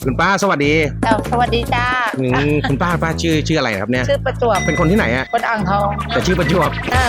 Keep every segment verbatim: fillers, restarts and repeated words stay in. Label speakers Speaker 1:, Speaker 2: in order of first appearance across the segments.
Speaker 1: คุณป้าสวัสดี
Speaker 2: เจ้าสวัสดีจ้า
Speaker 1: อืมคุณป้าป้าชื่อชื่ออะไรครับเนี่ย
Speaker 2: ชื่อประจวบ
Speaker 1: เป็นคนที่ไหนอะ
Speaker 2: คนอ่างทอง
Speaker 1: แต่ชื่อประจวบ
Speaker 2: อ่า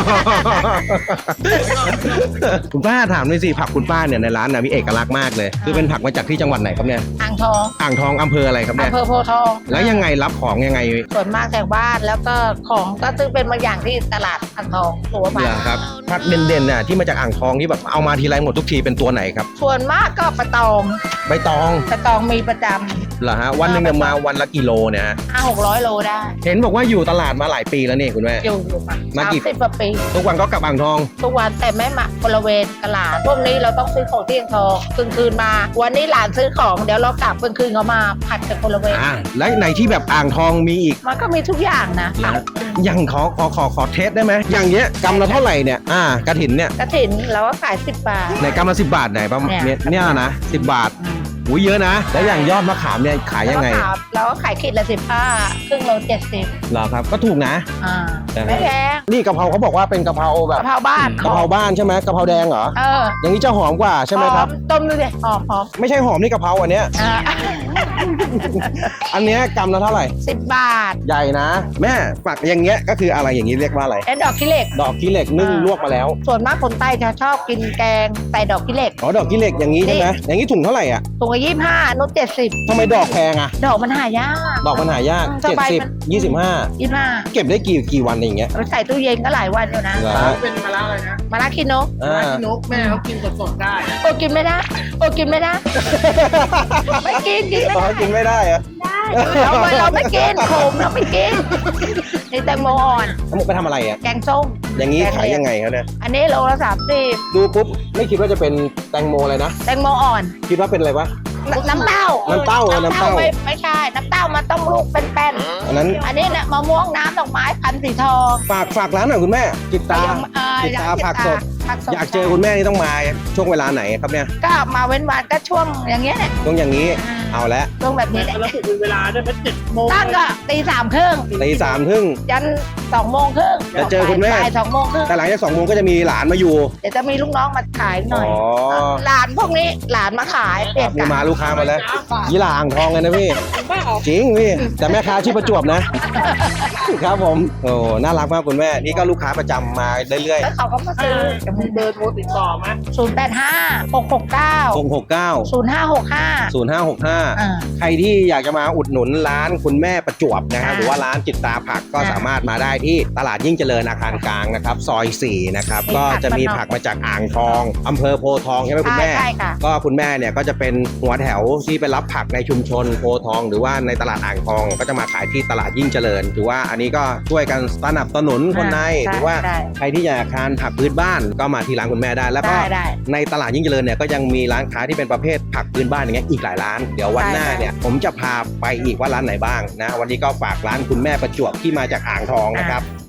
Speaker 1: คุณป้าถามหน่อยสิผักคุณป้าเนี่ยในร้านนะมีเอกลักษณ์มากเลยคือเป็นผักมาจากที่จังหวัดไหนครับเนี่ย
Speaker 2: อ่างทอง
Speaker 1: อ่างทองอำเภออะไรครับเนี่ย
Speaker 2: อำเภอโพธิ์ทอง
Speaker 1: แล้วยังไงรับของยังไง
Speaker 2: ส่วนมากแถวบ้านแล้วก็ของก็ซื้อเป็นบางอย่างที่ตลาดอ่างทองตัวไป
Speaker 1: เหรอครับผักเด่นๆน่ะที่มาจากอ่างทองที่แบบเอามาทีไรหมดทุกทีเป็นตัวไหนครับ
Speaker 2: ส่วนมากก็ปลาตอง
Speaker 1: ใบตอง
Speaker 2: ปลาตองมีประจ
Speaker 1: เหรอฮะวันหนึ่งเนี่ยมาวันละกิโลเนี่ยฮะ
Speaker 2: ำห้าหกร้อยโลได้
Speaker 1: เห็นบอกว่าอยู่ตลาดมาหลายปีแล้วนี่คุณแม่
Speaker 2: อยู่อยู่มา
Speaker 1: มากี่
Speaker 2: สิบกว่าปี
Speaker 1: ทุกวันก็กลับอ่างทอง
Speaker 2: ทุกวันแต่ไม่มาบริเวณตลาดพวกนี้เราต้องซื้อของที่อ่างทองกลางคืนมา วันนี้หลานซื้อของเดี๋ยวเรากลับกลางคืนเขามาผัดกันบริเวณ
Speaker 1: อ่าและในที่แบบอ่างทองมีอีก
Speaker 2: มันก็มีทุกอย่างนะ
Speaker 1: นะอย่างขอขอขอขอเทสได้ไหมอย่างเงี้ยกำละเท่าไหร่เนี่ยอ่ากระถินเนี่ย
Speaker 2: กระถินเราก็ขายสิบบาท
Speaker 1: ไหนกำละสิบบาทไหนประมาณ
Speaker 2: เนี่
Speaker 1: เนี่ย
Speaker 2: ย
Speaker 1: เนี่ยนะสิบบาทอุ้ยเยอะนะ แล้วอย่างยอดมะขามเนี่ยขายยังไง
Speaker 2: แล้วก็ขายเราก็ขายขีดละสิบห้าครึ่งโลเจ็ดสิบ
Speaker 1: เหรอครับก็ถูกนะ
Speaker 2: อ่า
Speaker 1: อ่า
Speaker 2: ไม่แพง
Speaker 1: นี่กะเพราเขาบอกว่าเป็นกะเพราแบ
Speaker 2: กะ
Speaker 1: บ
Speaker 2: เพราบ้าน
Speaker 1: กะเพราบ้านใช่ไหมกะเพราแดงเหรอ
Speaker 2: เออ
Speaker 1: อย่างนี้จะหอมกว่าใช่ไหมครับ
Speaker 2: หอต้มดูดิหอมหอม
Speaker 1: ไม่ใช่หอมนี่กะเพราอันเนี้ย
Speaker 2: อ่า
Speaker 1: อันเนี้ยกำละเท่าไหร่
Speaker 2: สิบบาท
Speaker 1: ใหญ่นะ แม่ฝักอย่างเงี้ยก็คืออะไรอย่างนี้เรียกว่าอะไร
Speaker 2: ไอ้ดอกขี้เหล็ก
Speaker 1: ดอกขี้เหล็กนึ่ง
Speaker 2: อ่า
Speaker 1: ลวกมาแล้ว
Speaker 2: ส่วนมากคนใต้จะชอบกินแกงใส่ดอกขี้เหล็ก
Speaker 1: อ๋อดอกขี้เหล็กอย่างนี้ใช่ไหมอย่างนี้ถุงเท่าไหร่อ่ะ
Speaker 2: ถุงละยี่สิบห้านุชเจ็ดสิบ
Speaker 1: ทำไมดอกแพงอ่ะ
Speaker 2: ดอกมันหายาก
Speaker 1: ดอกมันหายาก
Speaker 2: อืม
Speaker 1: เจ็ด
Speaker 2: สบาย
Speaker 1: สิบ
Speaker 2: มัน
Speaker 1: ยี่สิบห้า
Speaker 2: ยี่สิบห้า
Speaker 1: เก็บได้กี่กี่วันอย่างเงี้ย
Speaker 2: เราใส่ตู้เย็นก็หลายวันอยู่นะ
Speaker 1: เหรอ
Speaker 3: เป็นมะระอะไรนะ
Speaker 2: มาลาคิโนก
Speaker 1: อ่า
Speaker 3: มะระที่นกแม่เขากินสดๆได้
Speaker 2: โอ้กินไม่ได้โอ้กินไม่ได้ ไม่กินกินไม่
Speaker 1: อ๋อ
Speaker 2: ได้
Speaker 1: กินไม่ได้เหรอะ
Speaker 2: เราไม่เราไม่กินขมเราไม่กินนี่แตงโมอ่อน
Speaker 1: แล้วมึงไปทำอะไรอ่ะ
Speaker 2: แกงส้ม
Speaker 1: อย่างนี้
Speaker 2: แกง
Speaker 1: ขาย
Speaker 2: เลียง
Speaker 1: ยังไงครับเนี่ย
Speaker 2: อันนี้โลละสามสิบ
Speaker 1: ดูปุ๊บไม่คิดว่าจะเป็นแตงโมเลยนะ
Speaker 2: แตงโมอ่อน
Speaker 1: คิดว่าเป็นอะไรวะ
Speaker 2: นน้ำเต้า
Speaker 1: น้ำเต้าเออน้ำเต้า
Speaker 2: ไม่ไม่ใช่ น้ำเต้ามันต้องลูกเป็นแป้น
Speaker 1: อันนั้น
Speaker 2: อันนี้เนี่ยมะม่วงน้ำดอกไม้พันธุ์สีทอง
Speaker 1: ฝากฝากร้านหน่อยคุณแม่จิตตา
Speaker 2: เอ่อ
Speaker 1: จิตตาผักสด
Speaker 2: ผักสด
Speaker 1: อยากเจอคุณแม่นี่ต้องมาช่วงเวลาไหนครับเนี่ย
Speaker 2: ก็มาเว้นวันก็ช่วงอย่างเงี้ยเนี่ย
Speaker 1: ต้องอย่างนี้เอาละ
Speaker 2: ช่วงแบบนี้แหละ
Speaker 3: แล้วถูกเป็นเวลาด้วยเป็นเจ็ดโมง
Speaker 2: ตั้งก็ตีสามครึ่ง
Speaker 1: ตีสามครึ่ง
Speaker 2: ยันสองโมงครึ่ง
Speaker 1: จะเจอคุณแม่
Speaker 2: บ่ายสองโมงครึ่ง
Speaker 1: แต่หลังจากสองโมงก็จะมีหลานมาอยู่
Speaker 2: เดี๋ยวจะมีลูกน้องมาขายหน่อย
Speaker 1: อ๋อ
Speaker 2: หลานพวกนี้หลานมาขายเปลี่ยน
Speaker 1: มี
Speaker 2: กัน
Speaker 1: มาลูกค้ามาแล้วยี่หร่าอ่างทองเลยนะพี่
Speaker 3: บ้าออก
Speaker 1: จริงพี่แต่แม่ค้าชื่อประจวบนะ ครับผมโอ้น่ารักมากคุณแม่นี่ก็ลูกค้าประจำมาเรื่อย
Speaker 2: แล้วเขาก็มาซื้อ
Speaker 3: จะมีเบอร์โทรติดต่อไหม
Speaker 2: ศูนย์แปดห้าหกหกเก้า
Speaker 1: ๆหกหกเก้า
Speaker 2: ศูนย์ห้าหกห้า
Speaker 1: ศูนย์ห้าหกห้า
Speaker 2: อ่า
Speaker 1: ใครที่อยากจะมาอุดหนุนร้านคุณแม่ประจวบนะครับ
Speaker 2: อ่า
Speaker 1: หรือว่าร้านจิตตาผักก็
Speaker 2: อ่า
Speaker 1: สามารถมาได้ที่ตลาดยิ่งเจริญอาคารกลางนะครับซอยสี่นะครับ
Speaker 2: มี
Speaker 1: ก็
Speaker 2: ผัก
Speaker 1: จะมี
Speaker 2: บ้านนอก
Speaker 1: ผักมาจากอ่างทองอำเภอโพธิ์ทองใช่ไหมคุณแม่
Speaker 2: ใช่ค่ะ
Speaker 1: ก็คุณแม่เนี่ยก็จะเป็นหัวแถวที่ไปรับผักในชุมชนโพธิ์ทอง หรือว่าในตลาดอ่างทอง ก็จะมาขายที่ตลาดยิ่งเจริญถือว่าอันนี้ก็ช่วยกันสนับสนุนคนใน
Speaker 2: อ่า
Speaker 1: หรือว่า
Speaker 2: ได้
Speaker 1: ใครที่อยากทานผักพื้นบ้านก็มาที่ร้านคุณแม่ได้ แล้วก็
Speaker 2: ได้ได้
Speaker 1: ในตลาดยิ่งเจริญเนี่ยก็ยังมีร้านค้าที่เป็นประเภทผักพื้นบ้านอย่างเงี้ยอีกหลายร้านเดี๋ยววันหน้า
Speaker 2: ได้
Speaker 1: เนี่ยผมจะพาไปอีกว่าร้านไหนบ้างนะวันนี้ก็ฝากร้านคุณแม่ประจวบที่มาจากอ่างทองนะครับ